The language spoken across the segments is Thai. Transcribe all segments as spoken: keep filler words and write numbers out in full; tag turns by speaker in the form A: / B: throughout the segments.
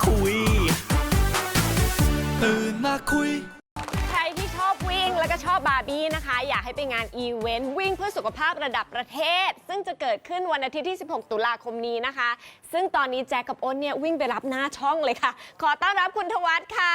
A: คุยตื่นมาคุย
B: ใครที่ชอบวิ่งแล้วก็ชอบบาร์บี้นะคะอยากให้ไปงานอีเวนต์วิ่งเพื่อสุขภาพระดับประเทศซึ่งจะเกิดขึ้นวันอาทิตย์ที่สิบหกตุลาคมนี้นะคะซึ่งตอนนี้แจ็คกับอ้นเนี่ยวิ่งไปรับหน้าช่องเลยค่ะขอต้อนรับคุณธวัฒน์ค่ะ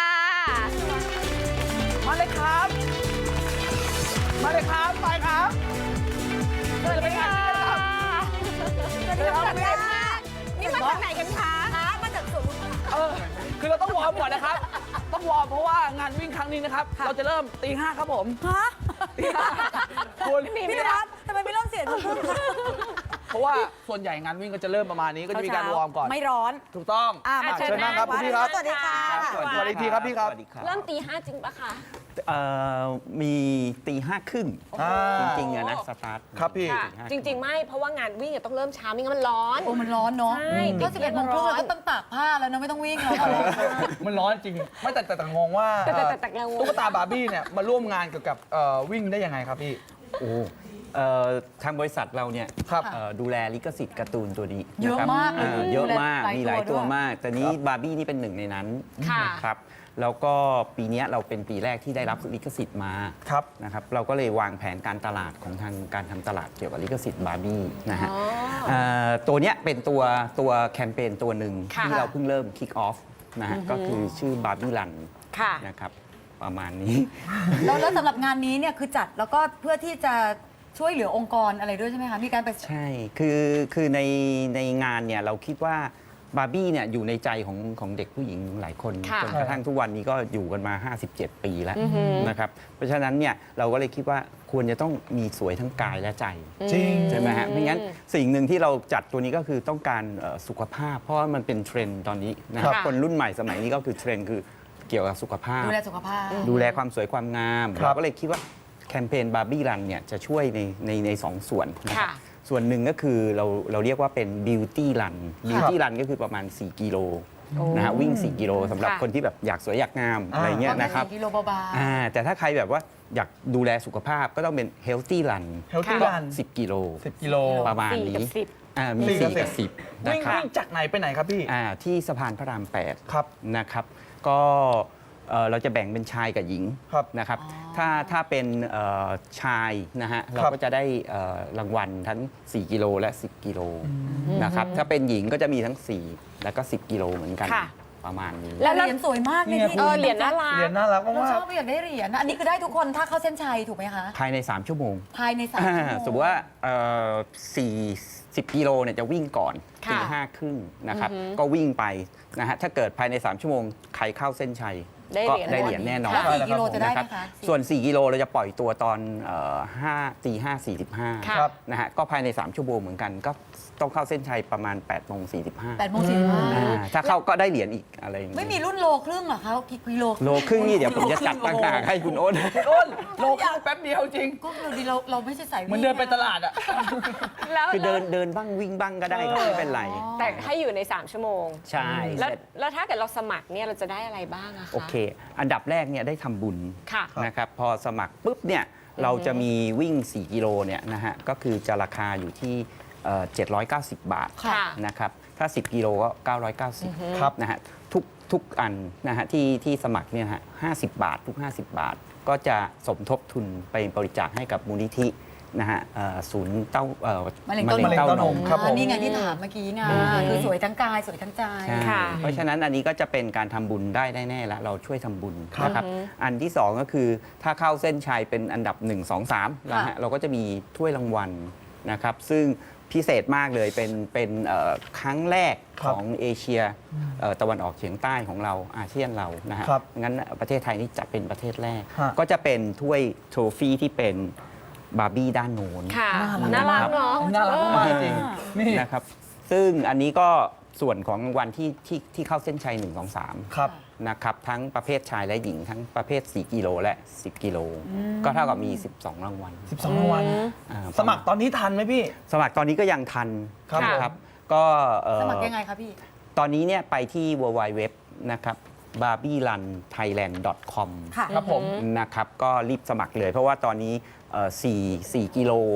C: มาเลยครับมาเลยครับไปครับ
B: สวัสดีค่ะสวัสดีค่ะนี่มาจากไหนกันคะมาจากสวน
C: เออคือเราต้องวอร์มก่อนนะครับต้องวอร์มเพราะว่างานวิ่งครั้งนี้นะครับเราจะเริ่มตีห้าครับผม
D: ฮะ
C: ตีห้าคุณ
D: พี่รัฐทำไมไม่เริ่มเสียงทุ่ม
C: เพราะว่าส่วนใหญ่งานวิ่งก็จะเริ่มประมาณนี้ก็จะมีการวอร์มก่อน
D: ไม่ร้อน
C: ถูกต้องเชิญนั่งครับคุณพี่ครับ
D: สวัสดีค่ะ
C: สวัสดีทีครับพี่ครับ
B: เริ่มตีห้าจริงปะคะ
E: มีตีห้าครึ่งจริงๆอะนะสตาร์ท
C: ครับพี่
B: จริงๆไม่เพราะว่างานวิ่งต้องเริ่มเช้าไม่งั้นมันร้อน
D: โอ้มันร้อนเนาะ
B: ใช่
D: ก็สิบเอ็ดโมงครึ่งเราต้องตากผ้าแล้วนะไม่ต้องวิ่งแล้ว
C: มันร้อนจริงไม่แต่แต่งงว่าตุ๊กตาบาร์บี้เนี่ยมาร่วมงานเกี่ยวกับวิ่งได้ยังไงครับพี่
E: โอ้ทางบริษัทเราเนี่ยดูแลลิขสิทธิ์การ์ตูนตัวนี้
D: เยอะมาก
E: เยอะมากมีหลายตัวมากแต่นี้บาร์บี้นี่เป็นหนึ่งในนั้นนะครับแล้วก็ปีนี้เราเป็นปีแรกที่ได้รับลิขสิทธิ์มานะครับเราก็เลยวางแผนการตลาดของทางการทำตลาดเกี่ยวกับลิขสิทธิ์บาร์บี้นะฮะตัวนี้เป็นตัวตัวแคมเปญตัวหนึ่งที่เราเพิ่งเริ่มคิกออฟนะฮะก็คือชื่อบาร์บี้รันนะครับประมาณนี้
D: แล้วแล้วสำหรับงานนี้เนี่ยคือจัดแล้วก็เพื่อที่จะช่วยเหลือองค์กรอะไรด้วยใช่ไหมคะมีการไป
E: ใช่คือคือในในงานเนี่ยเราคิดว่าบาร์บี้เนี่ยอยู่ในใจของของเด็กผู้หญิงหลายคนจนกระทั่งทุกวันนี้ก็อยู่กันมาห้าสิบเจ็ดปีแล้วนะครับเพราะฉะนั้นเนี่ยเราก็เลยคิดว่าควรจะต้องมีสวยทั้งกายและใจ
C: จริง
E: ใช่ไหมฮะไม่งั้นสิ่งหนึ่งที่เราจัดตัวนี้ก็คือต้องการสุขภาพเพราะว่ามันเป็นเทรนด์ตอนนี้นะครับคนรุ่นใหม่สมัยนี้ก็คือเทรนด์คือเกี่ยวกับสุขภาพ
D: ดูแลสุขภาพ
E: ดูแลความสวยความงามเราก็เลยคิดว่าแคมเปญบาร์บี้รันเนี่ยจะช่วยในในในสองส่วนนะครับส่วนหนึ่งก็คือเราเราเรียกว่าเป็นบิวตี้รันบิวตี้รันก็คือประมาณสี่กิโลนะฮะวิ่งสี่กิโลสำหรับคนที่แบบอยากสวยอยากงามอะไรเงี้ยนะครับ
D: สี่กิโลเบา
E: ๆแต่ถ้าใครแบบว่าอยากดูแลสุขภาพก็ต้องเป็นเฮลตี้รัน
C: เฮลตี้รัน
E: สิบกิโล
C: สิบกิโล
E: ประมาณนี้มีสี่กับสิบ
C: นะครับวิ่งจากไหนไปไหนครับพี่
E: ที่สะพานพระรามแปด
C: ครับ
E: นะครับก็เราจะแบ่งเป็นชายกับหญิงนะครับถ้าถ้าเป็นชายนะฮะเราก็จะได้รางวัลทั้งสี่กิโลและสิบกิโลนะครับถ้าเป็นหญิงก็จะมีทั้งสี่แล้วก็สิบกิโลเหมือนกันประมาณนี้
D: แล้วเหรียญสวยมากเลยที่
B: เหรียญน่ารัก
C: เหรียญน่ารักมาก
D: เราชอบอยากได้เหรียญอันนี้คือได้ทุกคนถ้าเข้าเส้นชัยถูกไหมคะ
E: ภายในสามชั่วโมง
D: ภายในสามชั่วโมง
E: สมมติว่าสี่สิบกิโลเนี่ยจะวิ่งก่อนตีห้าครึ่งนะครับก็วิ่งไปนะฮะถ้าเกิดภายในสามชั่วโมงใครเข้าเส้นชัยก็ได้เหรียญแน่นอน
D: สี่กิโลจะได้ไหมคะ
E: ส่วนสี่กิโลเราจะปล่อยตัวตอนห้าตีห้าสี่สิบห้านะฮะก็ภายในสามชั่วโมงเหมือนกันก็ต้องเข้าเส้นชัยประมาณแปดโมงสี่สิบห้า
D: แปดโมงสี่สิบห้า
E: ถ้าเข้าก็ได้เหรียญอีกอะไร
D: ไม่มีรุ่นโลครึ่งหรอคะกิโล
E: โลครึ่งนี่เดี๋ยวผมจะจัดตั้งหากให้คุณอ้น
C: อ้นโลครึ่งแป๊บเดียวจริง
D: ก็เราดีเราเราไม่ใช่สายวิ่ง
C: มันเดินไปตลาดอ่ะ
E: คือเดินเดินบ้างวิ่งบ้างก็ได้ก็ไม่เป็นไร
B: แต่ให้อยู่ในสามชั่วโมง
E: ใช่
B: แล้วแล้วถ้าเกิดเราสมัครเนี่ยเราจะได้อะไรบ้างอะคะ
E: โอเคอันดับแรกเนี่ยได้ทำบุญนะครับพอสมัครปุ๊บเนี่ยเราจะมีวิ่งสี่กิโลเนี่ยนะฮะก็คือจะราคาอยู่ที่เจ็ดร้อยเก้าสิบบาทนะครับถ้าสิบกิโลก็เก้าร้อยเก้าสิบนะฮะทุกทุกอันนะฮะที่ที่สมัครเนี่ยฮะห้าสิบบาททุกห้าสิบบาทก็จะสมทบทุนไปบริจาคให้กับมูลนิธินะฮะศูนย์เต้ามะเร็งเต้านม
D: ครับผมนี่ไงที่ถามเมื่อกี้ไงคือสวยทั้งกายสวยทั้งใจ
E: เพราะฉะนั้นอันนี้ก็จะเป็นการทำบุญได้แน่ๆแล้วเราช่วยทำบุญนะครับอันที่สองก็คือถ้าเข้าเส้นชัยเป็นอันดับหนึ่ง สอง สามนะฮะเราก็จะมีถ้วยรางวัลนะครับซึ่งพิเศษมากเลยเป็นเป็นครั้งแรกของเอเชียตะวันออกเฉียงใต้ของเราอาเซียนเรานะฮะงั้นประเทศไทยนี่จะเป็นประเทศแรกก็จะเป็นถ้วยโทรฟี่ที่เป็นบาร์บี้ด้านโน้น
B: ค่ะน่ารักเนาะ
C: น่ารักมากจริง
E: นี่นะครับซึ่งอันนี้ก็ส่วนของรางวัลที่ที่ที่เข้าเส้นชัยหนึ่ง สอง สามนะครับทั้งประเภทชายและหญิงทั้งประเภทสี่กิโลและสิบกิโลก็เท่ากับมีสิบสองรางวัล
C: สิบสองรางวัลสมัครตอนนี้ทันไหมพี่
E: สมัครตอนนี้ก็ยังทันครับก็
D: สมัครยังไงครับพี่
E: ตอนนี้เนี่ยไปที่ ดับเบิลยู ดับเบิลยู ดับเบิลยู ดับเบิลยู นะครับ บาร์บี้รันไทยแลนด์ ดอท คอม
C: ครับผม
E: นะครับก็รีบสมัครเลยเพราะว่าตอนนี้สี่ สี่กิโล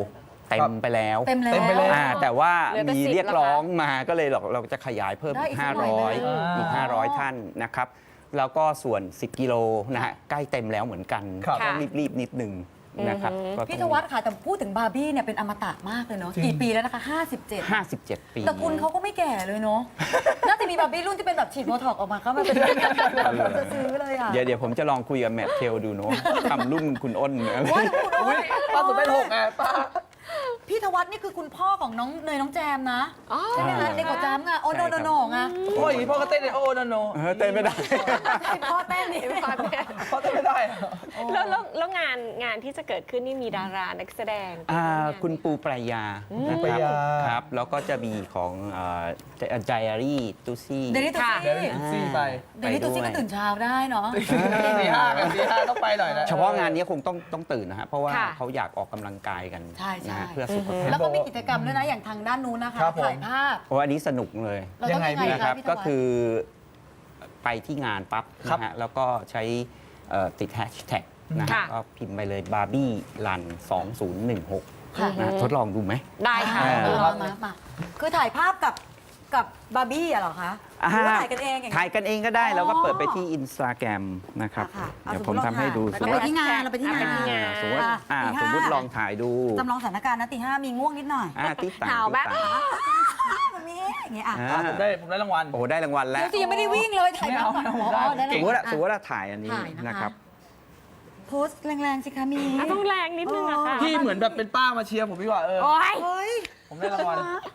E: เต็มไปแล้ว
D: เต็มแล้ว
C: เต็มไปแล้ว
E: อ่าแต่ว่า
B: เหลือแต่
E: มี
B: สิบ
E: เรียก
B: แล้วค่ะ
E: ร้องมาก็เลยเราเราจะขยายเพิ่ม
D: ได้
E: อี
D: อี
E: ก
D: กสักหน่อย
E: ห้าร้อย
D: ไหม
E: อีก
C: อ่า
E: ห้าร้อยท่านนะครับแล้วก็ส่วน สิบ กิโลนะฮะใกล้เต็มแล้วเหมือนกัน
C: ครับ
E: ต้องรีบๆนิดนึงนะครับก็ต้อง
D: พี่ธวัฒน์ค่ะแต่พูดถึงบาร์บี้เนี่ยเป็นอมตะมากเลยเนาะ
C: จริง
D: กี่ปีแล้วนะคะห้าสิบเจ็ด
E: ห้าสิบเจ็ด ปี
D: ตระกูลเขาก็ไม่แก่เลยเนาะ น่าจะมีบาร์บี้รุ่นที่เป็นแบบฉีดโบท็อกซ์ออกมาเข้ามาเป็นเราจะซื้อเลยอ่ะ
E: เดี๋ยวเดี๋ยวผมจะลองคุยกับแมทเทลดูเนาะทำรุ่นคุณอ้นนะ
D: ว่าคุณ
C: อุ้ยป้าสุดเป็นหกไงป้า
D: พี่ธวัฒน์นี่คือคุณพ่อของน้องเนยน้องแจมนะ
B: อ๋อ
D: ใช่ไหมคะเด็กกว่าแจมไงโอโนโนโนไง
C: พ่ออย่างนี้พ่อก็เต้นเลยโอ้โนโน
E: เออเต้นไม่ได้
D: ให้พ่อเต้นดิ
B: พ่อเต้น
C: พ่อเต้นไม่ได้อะ
B: แล้วแล้วแล้วงานงานที่จะเกิดขึ้นนี่มีดารานักแสดง
E: อ่าคุณปูปรายานะ
C: ป
E: ค
C: รา
E: รับ
C: ยา
E: ครับแล้วก็จะมีของไจอารี่ตูซี่
D: เดลิตู
B: ค่ะ
C: เดี๋ยว
D: ซี่
C: นี้ซี่ไป
D: เดลิตูซี่ก็ตื่นเช้าได้เนาะ
C: ตีห้ากันตีห้าต้องไปหน่อยนะ
E: เฉพาะงานนี้คงต้องต้องตื่นนะฮะเพราะว่า
B: ค่ะ
E: เขาอยากออกกำลังกายกัน
D: ใช่ใช่
E: นะฮะเพื่อสุขภา
D: แล้
E: พ
D: วก็มีกิจกรรมด้วยนะอย่างทางด้านนู้นนะคะ
C: ครับผม
D: ถ่ายภาพ
E: โอ้อันนี้สนุกเลย
D: เราต้องยังไง
E: นะค
D: คะ
E: รับ
D: พี่ธ
E: ก็
D: วัฒน์
E: คือไปที่งานปั๊บ
C: ครับ
E: นะฮะแล้วก็ใช้เอ่อติดแฮชแท็กนะฮะ
B: ค่ะ
E: ก็พิมพ์ไปเลยบาร์บี้รันสองศูนย์หนึ่งหก
D: ค่ะ
E: นะทดลองดูไหม
B: ได้ค่ะ
E: อ่า
D: เออมามามาคือถ่ายภาพกับกับบาร์บี้อะเหรอคะหรือว่าถ่ายกันเองอย่างเงี้ย
E: ถ่ายกันเองก็ได้
D: อ๋อ
E: แล้วก็เปิดไปที่อินสตาแกรมนะครับ
D: ค่ะค่ะ
E: เดี๋ยว
D: เอา
E: ผมทำให้ดู
D: สมมุติเราไปที่งานเราไปที่งาน
B: ไปที่งาน
E: สมมติว่าอ่า
D: ตีห้า
E: สมมติลองถ่ายดู
D: จำลองสถานการณ์นะตีห้ามีง่วงนิดหน่อย
E: อ่าที่ต่าง
B: หนาวไหม
E: ที่ต่าง
D: แบบนี้อย่างเงี้ยอ่ะ
E: อ่า
C: อ่ะผมได้ผมได้รางวัล
E: โอ้โหได้รางวัลแล้ว
D: เดี๋ยวสิยังไม่ได้วิ่งเลยถ่าย
C: ไม่
D: ภา
C: เอา
D: พก่อน
C: ไม่เอา
D: อ๋อได้
E: สมมติว่า
D: อ่ะ
E: สมมติว่าถ่ายอันนี้
D: ถ่ายนะคะ
E: นะครับ
D: โพสต์แรงๆสิคะมี
B: อ่ะต้องแรงนิดนึงอะค่ะ
C: พี่เหมือนแบบเป็นป้ามาเชียร์ผมดีกว่าเออ
B: โอ๊ย
D: เฮ้ย
C: ผมได้รางวัล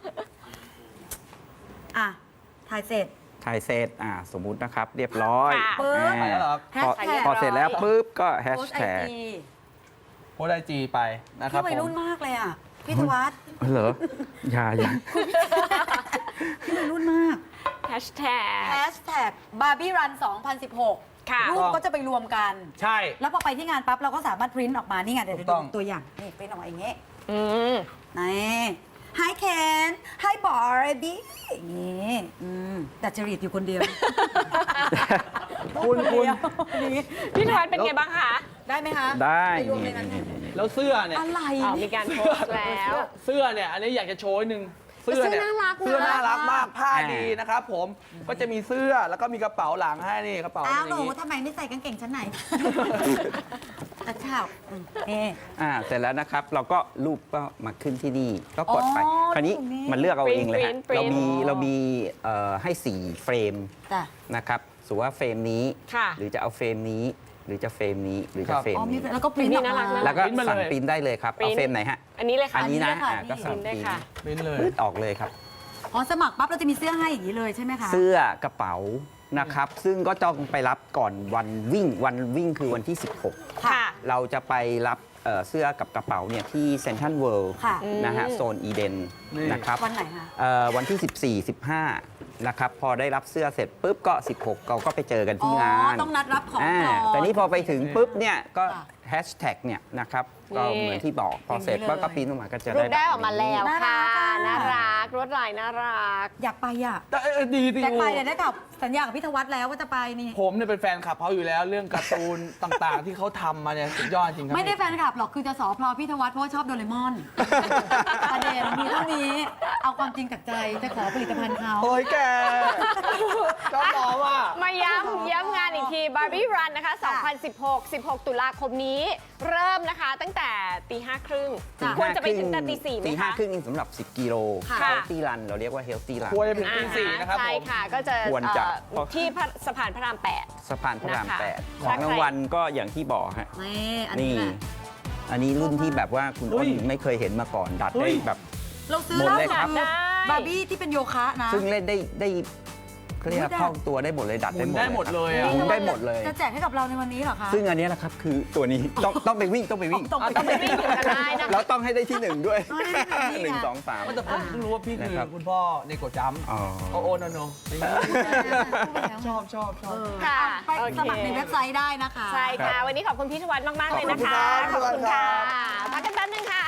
D: อ่ะถ่ายเสร็จ
E: ถ่ายเสร็จอ่าสมมุตินะครับ เรียบร้อย
B: ค่ะ
D: ปึ๊บ
E: อ่า
C: ไปแล้วเหรอ
D: แฮ
E: พ
D: ช
E: อ
D: แท็ก
E: พอเสร็จแล้วปุ๊บก็แฮช
D: โพสต์ไอ
E: แท็ก
D: จี
C: โพสต์ไอจีไปนะครับ
D: พี่วัย
C: ผม
D: รุ่นมากเลยอ่ะพี่ธวัฒน์
E: เหรออย่าอย่า
D: พี่วัยรุ่นมาก
B: แฮชแท็ก
D: แฮชแท็กบาร์บี้รันสองพันสิบหก
B: ค่ะ
D: รูปก็จะไปรวมกัน
C: ใช่
D: แล้วพอไปที่งานปั๊บเราก็สามารถพริ้นออกมานี่ไงเดี๋ยว
C: ถูก
D: ดู
C: ต้อง
D: ตัวอย่างนี่พริ้นออกมาอย่างเงี้ย
B: อืม
D: นี่ Hi Ken Hi Barbie อย่างงี้อืมแต่จริตอยู่คนเดียว
C: คุณคุณ
D: นี่
B: พี่ธวัฒน์เป็นไงบ้างคะ
D: ได้ไหมคะ
E: ได้
D: ปรวม
E: นี่
D: ในนั้น
E: นี่นี่นี่
C: แล้วเสื้อเนี่ย
D: อะไร
B: อ๋อมีการโพสต์แล้ว
C: เสื้อเนี่ยอันนี้อยากจะโชว์นิดนึงเสื้อเนี่ย
B: เสื้อน่ารักนะ
C: เสื้อน่ารักมากผ้า
E: อ่า
C: ดีนะครับผมก็จะมีเสื้อแล้วก็มีกระเป๋าหลังให้นี่กระเป๋า
D: อ้าว
C: อ
D: หนู
C: ย่างนี้
D: ทำไมไม่ใส่กางเกงชั้นไหนตะเช้าอืมเอ๊ะ
E: อ่าเสร็จแล้วนะครับ เราก็รูปก็มาขึ้นที่นี่ก็กดไป
D: อ๋อ
E: คราวนี้
D: ตรงนี้
E: มันเลือกเอาเองเลยฮะ
B: Print Print
E: เรามี
B: Print
E: เรามีเอ่อให้สี่เฟรม
D: จ้ะ
E: นะครับสมมุติว่าเฟรมนี้
B: ค่ะ
E: หรือจะเอาเฟรมนี้ หรือจะเฟรมนี้ หรือจะเฟรม
D: อ๋อมี
E: นี้
D: แล้วก็ปริ้นออก
B: น่ารัก
D: มา
B: นะ
E: แล้วก็
C: ปริ้นมาเลย
E: สั่งปริ้นได้เลยครับ
B: ปริ้
E: เอา
B: น
E: เฟรมไหนฮะ
B: อันนี้เลยค่ะ
E: อันนี้นะ
D: ค่ะ
E: อ่าก็
D: พี่
E: สั่ง
B: ได้
E: ปริ้น
B: ค่ะ
C: ปริ้นเลย
E: ปื๊ดออกเลยครับ
D: อ๋อสมัครปั๊บเราจะมีเสื้อให้อย่างนี้เลยใช่ไหมคะ
E: เสื้อกระเป๋านะครับ ซึ่งก็ต้องไปรับก่อนวันวิ่ง วันวิ่งคือวันที่ สิบหก
B: ค่ะ
E: เราจะไปรับเอ่อเสื้อกับกระเป๋าเนี่ยที่เซ็นทรัลเวิลด์
D: ค่ะ
E: นะฮะ
B: อืม
E: โซนอีเดน
C: นี่
E: นะครับ
D: วันไหนคะ
E: เอ่อวันที่ สิบสี่ สิบห้า นะครับ พอได้รับเสื้อเสร็จปุ๊บก็ สิบหก เราก็ไปเจอกัน
D: อ๋
E: ที่
D: อ
E: งาน
D: ต้องนัดรับของ
E: อ่า
D: ก่อน
E: แต่นี่พอไปถึงปุ๊บเนี่ยก็
D: ค่ะ
E: แฮชแท็กเนี่ยนะครับก็
B: นี่
E: เหมือนที่บอกพอเสร็จ
D: อย่างนี้เลย
E: ก็ปริ้นออกมาก็จะ
B: รู
E: ได้
B: ปได้ออกมาแล้ว
D: น่ารั
B: ค่ะ
D: กอ่ะ
B: น่ารักรวดลายน่ารัก
D: อยากไปอ่ะ
C: แต่เออดีดี
D: แจ็คไปเนี่ยได้กับสัญญากับพี่ธวัฒน์แล้วว่าจะไปนี่
C: ผมเนี่ยเป็นแฟนคลับเขาอยู่แล้วเรื่องการ์ตูน ต่างๆ ที่เขาทำมาเนี่ยสุดยอดจริงครั
D: ไม่ได้แฟนคลับหรอกคือจะสอพลอพี่ธวัฒน์เพราะว่าชอบโดเรมอน ประเด็นมีเท่านี้เอาความจริงจากใจจะขอผลิตภัณฑ์เขา
C: โอ้ยแกชอบหมอว่ะ
B: มาย้ำย้ำงานอีกที Barbie Run นะคะ สองพันสิบหก สิบหก ตุลาคมนี้ เริ่มนะคะตั้งแต่ตีห้าครึ่ง
D: จ้ะ
B: ควรจะไปถึงแต่ตีสี่ไหม
E: ตีห้า
B: คะ
E: ครึ่งสำหรับ สิบ กิโล
B: ค่ะ
E: เฮลตี้รันเราเรียกว่าเฮลตี้รัน
C: ควรจะเป็นตีสี่นะครับ
B: ใช่
C: ผม
B: ค่ะ ก็จะ
E: ควรจะ
B: เอ่อที่พระสะพานพระรามแปด
E: สะพานพระราม
B: นะคะ
E: แปดข
B: ถ้า
E: อง
B: ใคร
E: รางวัลก็อย่างที่บอกฮะ
D: นี่อัน
E: นี่
D: นี้แหละ
E: อันนี้รุ่นที่แบบว่าคุณ
C: เฮ้
E: อ้น
C: ย
E: ไม่เคยเห็นมาก่อนดัด
C: เฮ้
E: ได้
C: ย
E: แบบ
D: เราซื้อ
E: หมด
D: ล่า
E: เลย
D: สุด
E: ครับ
D: คือบาร์บี้ที่เป็นโยคะนะ
E: ซึ่งเล่นได้ได้เขาเรียกว่า
D: อุ๊ย
E: คล่องตัวได้หมดเลยดัด
C: หมุ
E: ได้
C: น
E: หมด
C: ได้หมดเลยอะ
E: หมุนได้หมดเลย
D: จะแจกให้กับเราในวันนี้เหรอคะ
E: ซึ่งอันเนี้ยนะครับคือตัวนี้ต้องต้องไปวิ่งต้องไปวิ่ง
D: ต้อง
B: อ๋อต้องไปวิ่งอยู่กันได้นะคะ
E: แล้วต้องให้ได้ที่หนึ่งด้วย
D: ต้องให้ได้ที่หนึ่งนี่ไง
E: หนึ่งสองสาม
C: แต่ผมเพิ่งรู้ว่าพี่คือ
E: นะครับ
C: คุณพ่อเนโกะจัมป์
E: อ๋อ
C: โอโอโนโนชอบชอบชอบ
B: ค่ะ
D: ไป
B: โอเค
D: สมัครในเว็บไซต์ได้นะคะ
B: ใช่ค่ะ วันนี้ขอบคุณพี่ธวัฒน์มาก ๆ เลยนะคะ
C: ขอบคุณครับ
B: พักกันแป๊บนึงค่ะ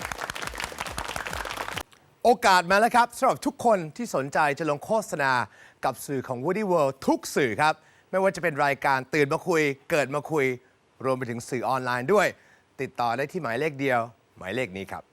A: โอกาสมาแล้วครับสำหรับทุกคนที่สนใจจะลงโฆษณากับสื่อของ Woody World ทุกสื่อครับ ไม่ว่าจะเป็นรายการตื่นมาคุย เกิดมาคุย รวมไปถึงสื่อออนไลน์ด้วย ติดต่อได้ที่หมายเลขเดียว หมายเลขนี้ครับ